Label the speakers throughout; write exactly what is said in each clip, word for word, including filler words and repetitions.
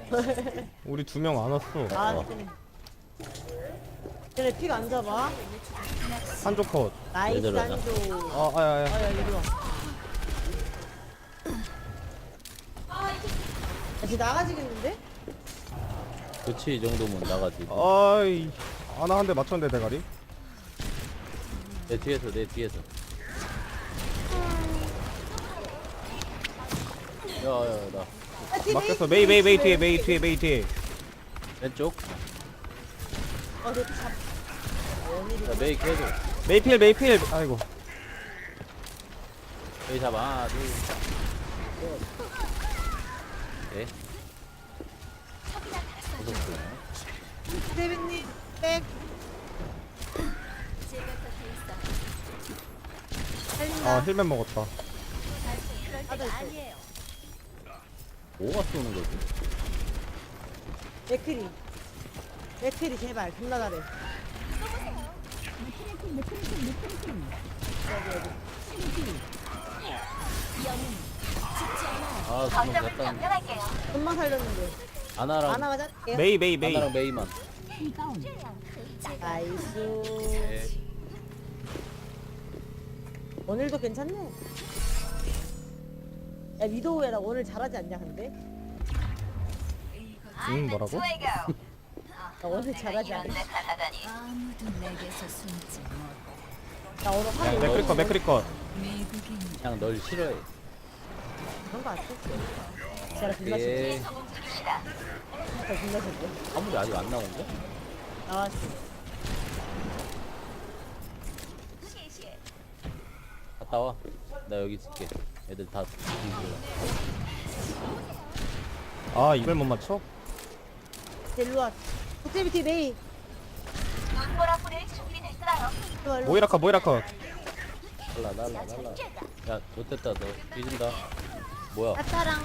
Speaker 1: 우리 두 명 안 왔어.
Speaker 2: 아, 좀. 쟤네 피가 안 잡아.
Speaker 1: 한조 컷.
Speaker 2: 나이스,
Speaker 3: 얘들아.
Speaker 2: 한조.
Speaker 1: 아, 아야, 아야.
Speaker 2: 아야, 이리 와. 야, 쟤 나가지겠는데?
Speaker 3: 그치 이 정도면 나가지.
Speaker 1: 아이, 아나 한 대 맞췄는데 대가리.
Speaker 3: 내 뒤에서 내 뒤에서. 야야 나
Speaker 2: 아, 팀
Speaker 1: 막혔어.
Speaker 2: 메이,
Speaker 1: 메이, 메이, 메이
Speaker 2: 팀
Speaker 1: 뒤에, 메이 뒤에, 메이 뒤에.
Speaker 3: 왼쪽.
Speaker 2: 어, 내 잡. 원일이.
Speaker 3: 야 메이 계속.
Speaker 1: 메이필, 메이필. 아이고.
Speaker 3: 메이 잡아. 하나 둘. 네. 무섭구나.
Speaker 2: 세빈님, 백. 살린다.
Speaker 1: 아, 힐맨 먹었다.
Speaker 2: 하나 있어.
Speaker 3: 뭐가 쏘는 거지?
Speaker 2: 맥크리. 맥크리, 제발. 존나 잘해.
Speaker 3: 아 주먹 약간
Speaker 2: 좀만 살렸는데.
Speaker 3: 아나랑
Speaker 2: 아나가 잘게요.
Speaker 1: 메이, 메이, 메이.
Speaker 3: 아나랑 메이만.
Speaker 2: 나이스.
Speaker 3: 네.
Speaker 2: 오늘도 괜찮네. 야, 위도우야, 나 오늘 잘하지 않냐, 근데?
Speaker 1: 응, 뭐라고?
Speaker 2: 나 오늘 잘하지 않냐?
Speaker 4: 아무도 내게서 숨지 못.
Speaker 2: 나 오늘
Speaker 1: 야,
Speaker 2: 하루
Speaker 1: 맥크리 컷, 맥크리 컷.
Speaker 4: 미국인
Speaker 3: 그냥 널 싫어해.
Speaker 2: 그런 거안 썼어. 진짜 존나
Speaker 3: 예.
Speaker 2: 싫어. 진짜 존나 싫어.
Speaker 3: 아무리 아직 안 나온 거?
Speaker 2: 나왔어.
Speaker 3: 갔다 와. 나 여기 있을게. 애들 다 뒤질러.
Speaker 1: 아, 이걸 못 맞춰?
Speaker 2: 일로와. 호텔비티 메이. 일로와, 일로와.
Speaker 1: 모이라 컷, 모이라 컷.
Speaker 3: 날라 날라 날라. 야 좋됐다 너 뒤진다. 뭐야?
Speaker 2: 아따랑.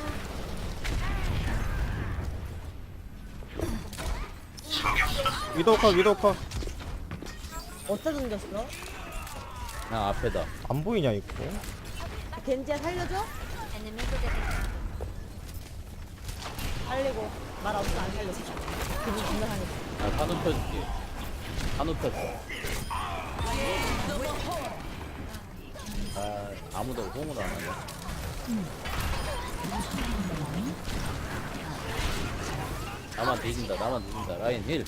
Speaker 1: 위도우 컷, 위도우 컷.
Speaker 2: 어디다 던졌어?
Speaker 3: 그냥 앞에다.
Speaker 1: 안 보이냐, 이거?
Speaker 2: 겐지야 살려줘? 살리고. 말 없어 안 살렸어. 기분 존나 상했어.
Speaker 3: 나 산호 펴줄게. 산호 펴줘. 아 아무도 호응을 안 하냐. 나만 뒤진다. 나만 뒤진다. 라인 힐.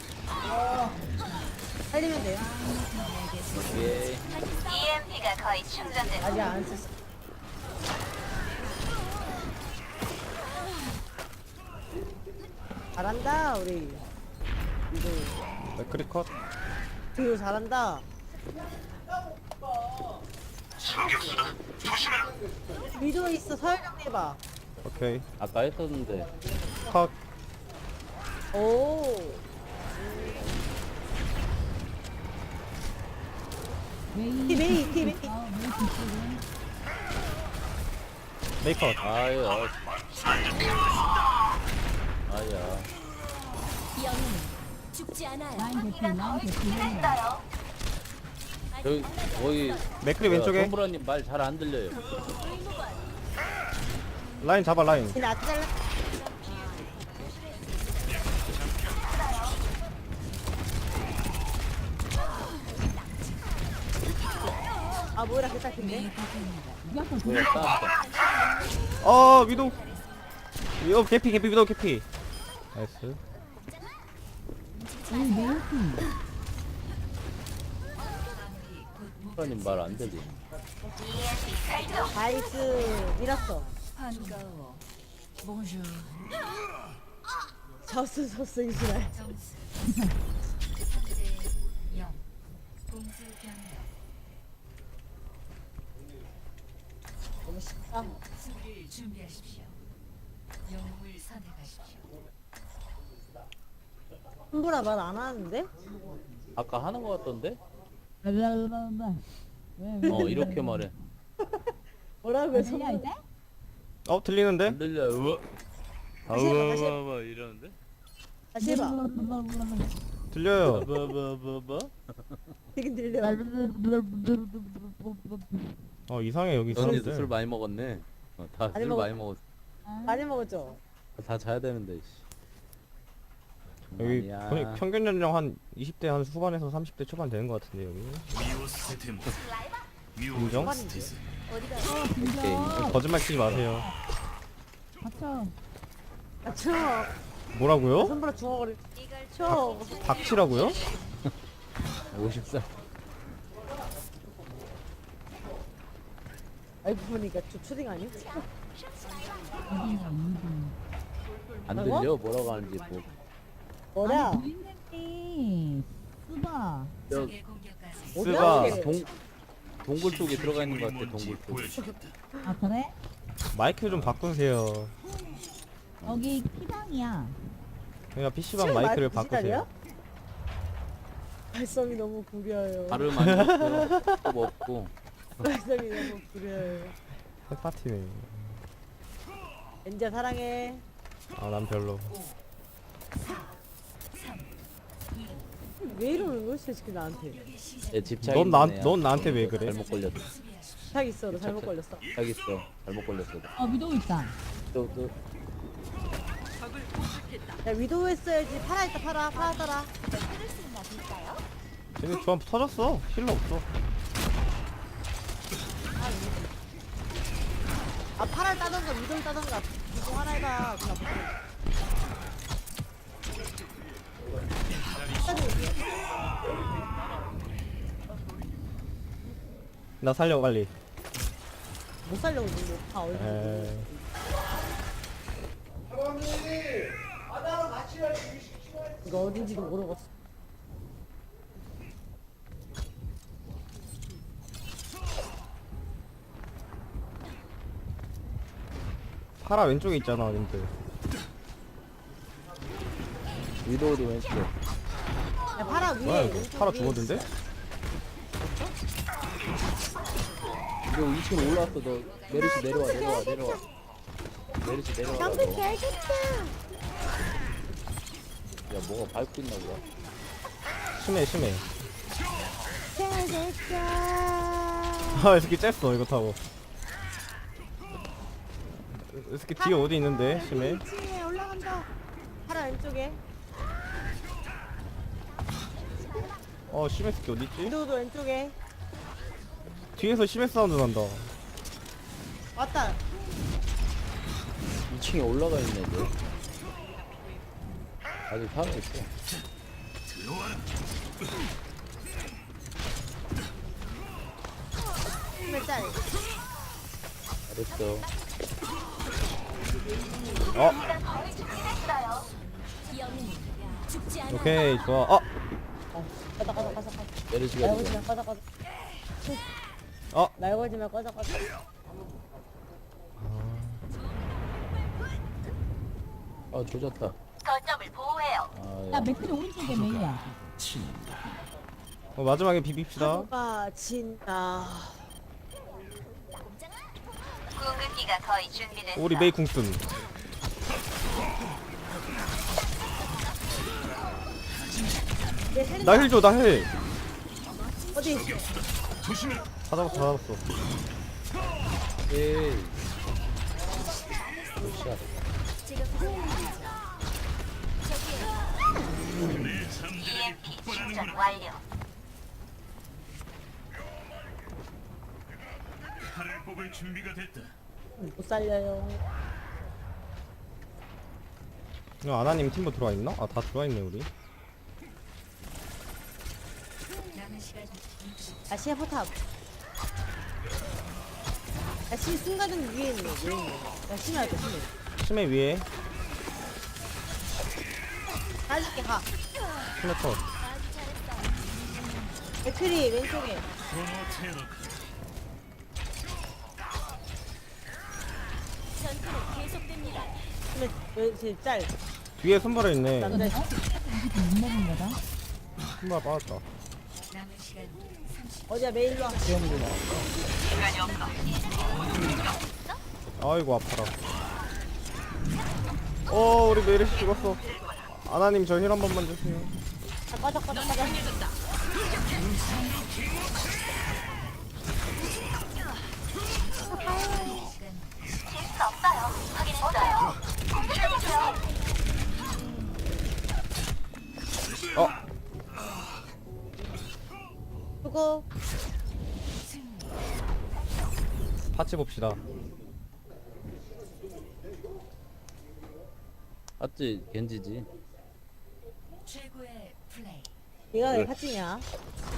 Speaker 2: 살리면 돼요.
Speaker 3: 예.
Speaker 5: 이엠피가 거의 충전된
Speaker 2: 아직 안 썼어. 잘한다 우리. 위도우.
Speaker 1: 맥크리 컷.
Speaker 2: 위도우 잘한다. 위도우 있어. 서열 정리해봐.
Speaker 1: 오케이.
Speaker 3: 아까 했었는데.
Speaker 1: 컷.
Speaker 2: 오. 티 메이, 티 메이.
Speaker 1: 메이 컷.
Speaker 3: 아유. 아. 아야.
Speaker 4: 영웅은 죽지 않아요.
Speaker 3: 저기 거기
Speaker 1: 맥크리 왼쪽에.
Speaker 3: 손브라님 말 잘 안 들려요.
Speaker 1: 라인 잡아, 라인.
Speaker 2: 쟤네 아트 잘라. 아 뭐라 개딱인데?
Speaker 3: 뭐야 싸웠다.
Speaker 1: 어, 위도우. 위도우 개피, 개피, 위도우 개피. 나이스.
Speaker 3: 손브라님 말 안 들리.
Speaker 2: 나이스 밀었어.
Speaker 4: 반가워. 봉주.
Speaker 2: 졌어 졌어 이지랄.
Speaker 4: 점수. 삼 대 영. 공수 변경.
Speaker 2: 너무 쉽다.
Speaker 4: 수비를 준비하십시오. 영웅을 선택하십시오.
Speaker 2: hum브라 말 안 하는데?
Speaker 3: 아까 하는 거 같던데? 어 이렇게 말해.
Speaker 2: 뭐라고요? 손
Speaker 1: 어, 들리는데?
Speaker 3: 안 들려. 우와.
Speaker 2: 다시 해봐, 다시 해봐.
Speaker 3: 아우와와 이러는데?
Speaker 2: 다시 해봐.
Speaker 1: 들려요.
Speaker 3: 뭐뭐뭐뭐?
Speaker 2: 되게 들려.
Speaker 1: 어, 이상해, 여기
Speaker 3: 언니도
Speaker 1: 사람들.
Speaker 3: 술 많이 먹었네. 어, 다
Speaker 2: 많이
Speaker 3: 술
Speaker 2: 먹었-
Speaker 3: 많이 먹었어.
Speaker 2: 많이 먹었죠?
Speaker 3: 다 자야 되는데. 씨.
Speaker 1: 여기
Speaker 3: 아니야.
Speaker 1: 거의 평균 연령 한 이십 대 한 후반에서 삼십 대 초반 되는 것 같은데 여기. 인정?
Speaker 2: 초반인데.
Speaker 6: 어디가?
Speaker 3: 오케이.
Speaker 1: 거짓말 치지 마세요.
Speaker 6: 맞죠?
Speaker 2: 아, 쳐.
Speaker 1: 뭐라고요?
Speaker 2: 손으로 주워버릴. 쳐.
Speaker 1: 닥치라고요?
Speaker 3: 오십 살.
Speaker 2: 알고 보니까 저 초딩 아니야?
Speaker 6: 어디가 이분?
Speaker 3: 안 들려? 뭐라고 하는지 뭐.
Speaker 2: 뭐야?
Speaker 6: 아니 부인님이 쓰바.
Speaker 3: 저
Speaker 4: 적의 공격까지
Speaker 1: 쓰바.
Speaker 2: 어디야?
Speaker 3: 동 동굴 쪽에 들어가 있는 것 같아. 동굴 쪽.
Speaker 6: 아 그래?
Speaker 1: 마이크 좀 바꾸세요.
Speaker 6: 여기 피방이야.
Speaker 1: 그러니까 피시방
Speaker 2: 지금
Speaker 1: 마이크를
Speaker 2: 마이크
Speaker 1: 바꾸세요.
Speaker 2: 발성이 너무 구려요.
Speaker 3: 발음 안 좋고요. 또 없고.
Speaker 2: 발성이 너무 구려요.
Speaker 1: 해파티네.
Speaker 2: 엔지야 사랑해.
Speaker 1: 아 난 별로.
Speaker 2: 왜 이러는 거야 솔직히 나한테.
Speaker 3: 얘 집착.
Speaker 1: 넌 나, 넌 나한테 왜 그래?
Speaker 3: 잘못 걸렸어.
Speaker 2: 탁 있어. 너 잘못 걸렸어.
Speaker 3: 딱 있어. 잘못 걸렸어.
Speaker 6: 어 위도 있다.
Speaker 3: 또 또.
Speaker 2: 야 위도우 했어야지. 팔아 있다 팔아. 팔아 따라.
Speaker 1: 쟤네 조합 터졌어. 힐러 없어.
Speaker 2: 아 팔을 따던가 위도우 따던가. 이거 하나 해봐. 그냥
Speaker 1: 나 살려 빨리.
Speaker 2: 못 살려고 지금 다 얼굴.
Speaker 1: 에.
Speaker 2: 이거 어딘지도 모르겠어.
Speaker 1: 파라 왼쪽에 있잖아, 님들.
Speaker 3: 위도우도 왼쪽.
Speaker 2: 야 팔아 위에.
Speaker 1: 뭐야 이거?
Speaker 2: 왼쪽
Speaker 1: 파라
Speaker 2: 위에
Speaker 1: 죽었는데?
Speaker 3: 이거 이 층 올라왔어. 너 메르시 내려와 내려와 내려와. 메르시 내려와.
Speaker 2: 장비 개좋다.
Speaker 3: 야 뭐가 밟고 있나 보다.
Speaker 1: 심해 심해.
Speaker 2: 개좋다.
Speaker 1: 아, 이 새끼 쬐어 이거 타고. 이 새끼 뒤에 어디 있는데? 심해.
Speaker 2: 이 층에 올라간다. 팔아 왼쪽에.
Speaker 1: 어, 심해 새끼 어디 있지?
Speaker 2: 위도우도 왼쪽에.
Speaker 1: 뒤에서 심해 사운드 난다.
Speaker 2: 왔다.
Speaker 3: 이 층에 올라가 있네 너. 아직 살아있어.
Speaker 2: 몇 짤.
Speaker 3: 잘했어.
Speaker 1: 어, 오케이 좋아. 어,
Speaker 2: 어, 가자 가자 가자 가자.
Speaker 3: 메르시가
Speaker 2: 날
Speaker 3: 지금.
Speaker 2: 걸지마 꺼져 꺼져.
Speaker 1: 어.
Speaker 2: 날 걸지마 꺼져 꺼져.
Speaker 3: 아 조졌다.
Speaker 5: 거점을 보호해요.
Speaker 3: 아,
Speaker 6: 야
Speaker 3: 야.
Speaker 6: 맥클이 오른쪽에 메이야.
Speaker 1: 어 마지막에 비빕시다.
Speaker 2: 누가 진다.
Speaker 5: 궁극기가 거의 준비됐어.
Speaker 1: 우리 메이 궁쓴.
Speaker 2: 내 헬.
Speaker 1: 나 힐 줘, 나 힐.
Speaker 2: 어디?
Speaker 1: 다 잡았어, 다 잡았어.
Speaker 3: 에이. 샷.
Speaker 5: 이엠피 충전 완료.
Speaker 7: 칼을 뽑을 준비가 됐다.
Speaker 2: 못 살려요.
Speaker 1: 야, 아나님 팀버 들어와 있나? 아, 다 들어와 있네 우리.
Speaker 4: 남은 시간 육십 초.
Speaker 2: 아 시야 포탑. 야시 순간은 위에 있네. 위에 있네. 야 심해야 돼 심해.
Speaker 1: 심해 위에.
Speaker 2: 가줄게 가.
Speaker 1: 심해 컷.
Speaker 2: 맥크리 왼쪽에. 심해 왼쪽 짤.
Speaker 1: 뒤에 손발에 있네.
Speaker 2: 남자.
Speaker 6: 이거 못 먹은 거다.
Speaker 1: 손발 빠졌다.
Speaker 4: 남은 시간 삼십
Speaker 2: 어디야 메일로 와.
Speaker 1: 아이고 아파라. 어, 우리 메르시 죽었어. 아나님 저 힐 한 번만 주세요.
Speaker 2: 아, 꺼져 꺼져 꺼져.
Speaker 5: 실수 없어요. 확인했어요. 공격해주세요.
Speaker 2: 수고.
Speaker 1: 파츠 봅시다.
Speaker 3: 맞지? 겐지지.
Speaker 4: 최고의 플레이.
Speaker 2: 얘가 왜 파티냐?